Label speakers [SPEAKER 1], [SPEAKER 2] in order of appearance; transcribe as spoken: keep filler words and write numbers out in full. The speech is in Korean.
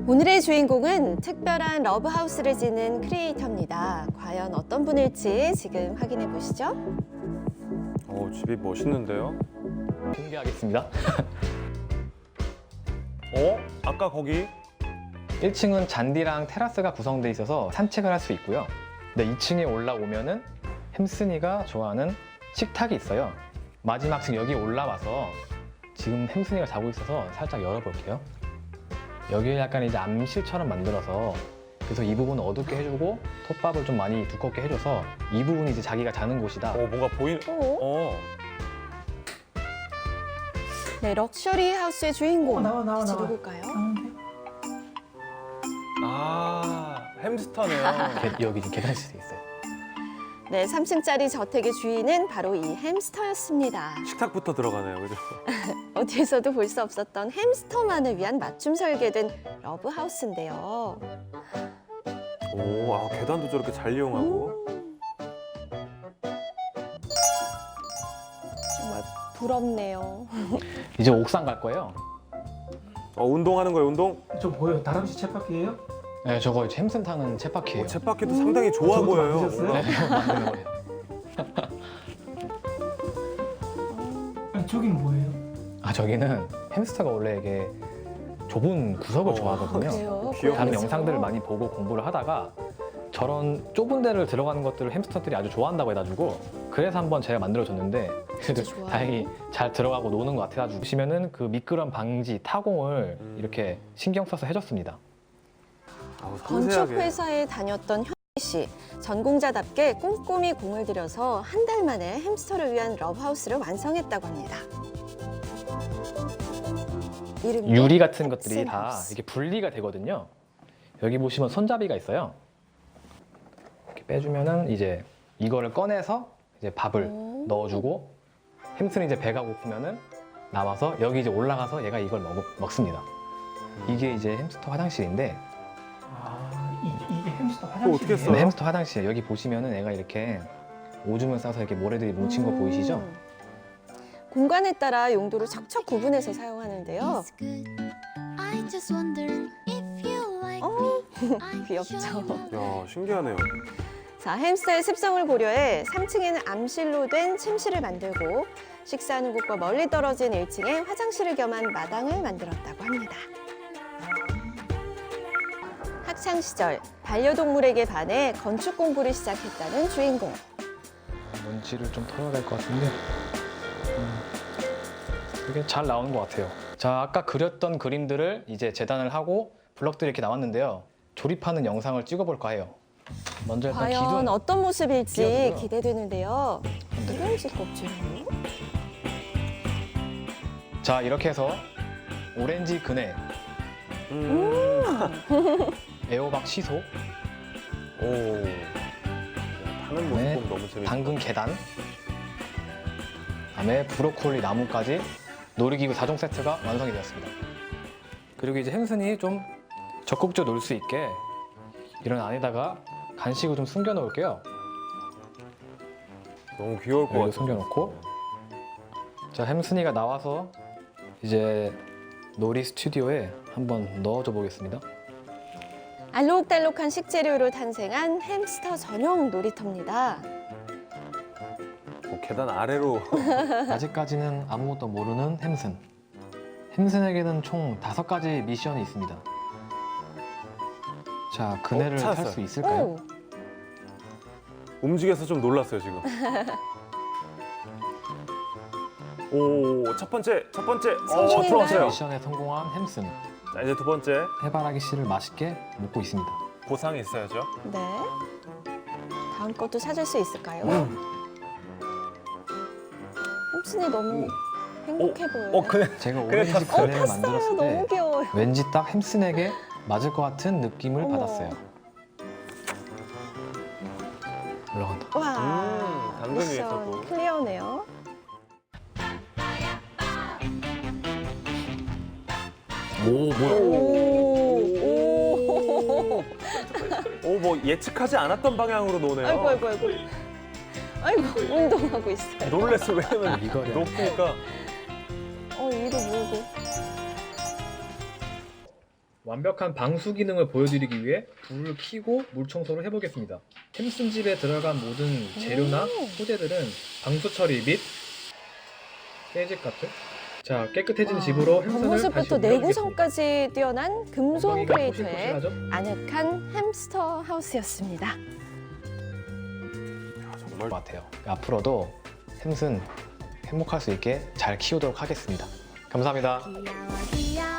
[SPEAKER 1] 오늘의 주인공은 특별한 러브하우스를 지는 크리에이터입니다. 과연 어떤 분일지 지금 확인해 보시죠.
[SPEAKER 2] 어, 집이 멋있는데요?
[SPEAKER 3] 공개하겠습니다.
[SPEAKER 2] 어? 아까 거기?
[SPEAKER 3] 일 층은 잔디랑 테라스가 구성되어 있어서 산책을 할 수 있고요. 근데 이 층에 올라오면은 햄슨이가 좋아하는 식탁이 있어요. 마지막 층 여기 올라와서 지금 햄슨이가 자고 있어서 살짝 열어볼게요. 여기를 약간 이제 암실처럼 만들어서 그래서 이 부분을 어둡게 해주고 톱밥을 좀 많이 두껍게 해줘서 이 부분이 이제 자기가 자는 곳이다.
[SPEAKER 2] 어, 뭔가 보이는...
[SPEAKER 1] 어?
[SPEAKER 2] 어.
[SPEAKER 1] 네, 럭셔리 하우스의 주인공.
[SPEAKER 4] 어, 나와, 나와,
[SPEAKER 1] 대체
[SPEAKER 4] 나와.
[SPEAKER 1] 누굴까요?
[SPEAKER 2] 아, 햄스터네요.
[SPEAKER 3] 게- 여기 지금 계단실이 있어요.
[SPEAKER 1] 네, 삼 층짜리 저택의 주인은 바로 이 햄스터였습니다.
[SPEAKER 2] 식탁부터 들어가네요, 그죠?
[SPEAKER 1] 어디에서도 볼 수 없었던 햄스터만을 위한 맞춤 설계된 러브하우스인데요.
[SPEAKER 2] 오, 아, 계단도 저렇게 잘 이용하고.
[SPEAKER 1] 정말 부럽네요.
[SPEAKER 3] 이제 옥상 갈 거예요.
[SPEAKER 2] 어, 운동하는 거예요, 운동?
[SPEAKER 4] 저 뭐예요? 다람쥐 쳇바퀴예요?
[SPEAKER 3] 네, 저거 이제 햄슨 타는 쳇바퀴예요.
[SPEAKER 2] 어, 쳇바퀴도 상당히 좋아
[SPEAKER 4] 저것도
[SPEAKER 2] 보여요.
[SPEAKER 4] 만드셨어요?
[SPEAKER 2] 뭔가.
[SPEAKER 3] 네, 만드는 거예요.
[SPEAKER 4] 아니 저긴 뭐예요?
[SPEAKER 3] 아, 저기는 햄스터가 원래 이게 좁은 구석을
[SPEAKER 2] 어,
[SPEAKER 3] 좋아하거든요.
[SPEAKER 1] 그래요?
[SPEAKER 2] 귀여워.
[SPEAKER 3] 다른
[SPEAKER 1] 고양이죠?
[SPEAKER 3] 영상들을 많이 보고 공부를 하다가 저런 좁은 데를 들어가는 것들을 햄스터들이 아주 좋아한다고 해가지고 그래서 한번 제가 만들어줬는데 그래도
[SPEAKER 1] 좋아요.
[SPEAKER 3] 다행히 잘 들어가고 노는 것 같아가지고 보시면은 그 미끄럼 방지 타공을
[SPEAKER 2] 음.
[SPEAKER 3] 이렇게 신경 써서 해줬습니다.
[SPEAKER 2] 아우,
[SPEAKER 1] 건축
[SPEAKER 2] 섬세하게.
[SPEAKER 1] 회사에 다녔던 현희 씨. 전공자답게 꼼꼼히 공을 들여서 한 달 만에 햄스터를 위한 러브하우스를 완성했다고 합니다. 이름도
[SPEAKER 3] 유리 같은 것들이
[SPEAKER 1] 햄슨
[SPEAKER 3] 다
[SPEAKER 1] 하우스.
[SPEAKER 3] 이렇게 분리가 되거든요. 여기 보시면 손잡이가 있어요. 이렇게 빼주면은 이제 이거를 꺼내서 이제 밥을
[SPEAKER 1] 오.
[SPEAKER 3] 넣어주고 햄슨이 이제 배가 고프면은 나와서 여기 이제 올라가서 얘가 이걸 먹, 먹습니다. 이게 이제 햄스터 화장실인데
[SPEAKER 4] 아 이, 이게 햄스터
[SPEAKER 2] 그거
[SPEAKER 4] 화장실이에요?
[SPEAKER 2] 어떻게 써요?
[SPEAKER 3] 네, 햄스터 화장실 여기 보시면은 얘가 이렇게 오줌을 싸서 이렇게 모래들이 뭉친 거
[SPEAKER 1] 음.
[SPEAKER 3] 보이시죠?
[SPEAKER 1] 공간에 따라 용도를 척척 구분해서 사용하는데요.
[SPEAKER 5] It's good. I just wonder if you like
[SPEAKER 1] 어,
[SPEAKER 5] me. I
[SPEAKER 1] 귀엽죠?
[SPEAKER 5] show you love.
[SPEAKER 2] 야, 신기하네요.
[SPEAKER 1] 자, 햄스터의 습성을 고려해 삼 층에는 암실로 된 침실을 만들고 식사하는 곳과 멀리 떨어진 일 층에 화장실을 겸한 마당을 만들었다고 합니다. 학창 시절 반려동물에게 반해 건축 공부를 시작했다는 주인공.
[SPEAKER 3] 먼지를 좀 털어야 될 것 같은데 음, 이게 잘 나오는 것 같아요. 자, 아까 그렸던 그림들을 이제 재단을 하고 블럭들이 이렇게 나왔는데요. 조립하는 영상을 찍어볼까 해요. 먼저 일단
[SPEAKER 1] 과연
[SPEAKER 3] 기둥
[SPEAKER 1] 어떤 모습일지
[SPEAKER 3] 끼워두고요.
[SPEAKER 1] 기대되는데요.
[SPEAKER 3] 건드려요.
[SPEAKER 1] 이런지 껍질이요?
[SPEAKER 3] 자, 이렇게 해서 오렌지 그네,
[SPEAKER 2] 음.
[SPEAKER 3] 애호박 시소,
[SPEAKER 2] 오. 하는 모습
[SPEAKER 3] 네.
[SPEAKER 2] 보면 너무 재밌다.
[SPEAKER 3] 당근 계단, 그다음에 브로콜리 나무까지 놀이기구 사 종 세트가 완성이 되었습니다. 그리고 이제 햄슨이 좀 적극적으로 놀 수 있게 이런 안에다가 간식을 좀 숨겨 놓을게요.
[SPEAKER 2] 너무 귀여울 것
[SPEAKER 3] 여기
[SPEAKER 2] 같아요.
[SPEAKER 3] 숨겨놓고 자, 햄슨이가 나와서 이제 놀이 스튜디오에 한번 넣어줘 보겠습니다.
[SPEAKER 1] 알록달록한 식재료로 탄생한 햄스터 전용 놀이터입니다.
[SPEAKER 2] 어, 계단 아래로.
[SPEAKER 3] 아직까지는 아무것도 모르는 햄슨. 햄슨에게는 총 다섯 가지 미션이 있습니다. 자, 그네를
[SPEAKER 2] 어,
[SPEAKER 3] 탈
[SPEAKER 2] 찾았어요.
[SPEAKER 3] 수 있을까요?
[SPEAKER 1] 오,
[SPEAKER 2] 움직여서 좀 놀랐어요, 지금. 오, 첫 번째, 첫 번째. 어,
[SPEAKER 1] 성공인가요?
[SPEAKER 2] 들어왔어요.
[SPEAKER 3] 미션에 성공한 햄슨.
[SPEAKER 2] 자, 이제 두 번째.
[SPEAKER 3] 해바라기 씨를 맛있게 먹고 있습니다.
[SPEAKER 2] 보상이 있어야죠.
[SPEAKER 1] 네. 다음 것도 찾을 수 있을까요?
[SPEAKER 2] 음.
[SPEAKER 1] 햄슨이 너무 행복해 보여요.
[SPEAKER 2] 어, 그네.
[SPEAKER 3] 제가
[SPEAKER 2] 그래,
[SPEAKER 3] 오렌지
[SPEAKER 2] 탔어요.
[SPEAKER 3] 그네를
[SPEAKER 1] 어, 탔어요.
[SPEAKER 3] 만들었을 때
[SPEAKER 1] 너무 귀여워요.
[SPEAKER 3] 왠지 딱 햄슨에게 맞을 것 같은 느낌을
[SPEAKER 1] 어머.
[SPEAKER 3] 받았어요. 올라간다.
[SPEAKER 1] 와,
[SPEAKER 2] 음, 당근
[SPEAKER 1] 미션
[SPEAKER 2] 위에서도.
[SPEAKER 1] 클리어네요.
[SPEAKER 3] 오, 뭐야?
[SPEAKER 1] 오, 오.
[SPEAKER 2] 오, 뭐 예측하지 않았던 방향으로 노네요.
[SPEAKER 1] 아이고, 아이고, 아이고. 아이고, 운동하고 있어요.
[SPEAKER 2] 놀랬어, 왜냐면
[SPEAKER 3] 이거를.
[SPEAKER 2] 높으니까.
[SPEAKER 1] 어, 위로 모으고.
[SPEAKER 3] 완벽한 방수 기능을 보여드리기 위해 불을 켜고 물 청소를 해보겠습니다. 햄슨 집에 들어간 모든 재료나
[SPEAKER 1] 오.
[SPEAKER 3] 소재들은 방수 처리 및 깨질 값을 자 깨끗해진
[SPEAKER 1] 와,
[SPEAKER 3] 집으로 햄슨을 다시
[SPEAKER 1] 겉모습부터
[SPEAKER 3] 옮겨주겠습니다.
[SPEAKER 1] 내구성까지 뛰어난 금손
[SPEAKER 3] 엉덩이가
[SPEAKER 1] 크리에이터의
[SPEAKER 3] 포실포실하죠?
[SPEAKER 1] 아늑한 햄스터 하우스였습니다.
[SPEAKER 2] 야, 정말
[SPEAKER 3] 것 같아요. 앞으로도 햄슨 행복할 수 있게 잘 키우도록 하겠습니다. 감사합니다.
[SPEAKER 5] 귀여워 귀여워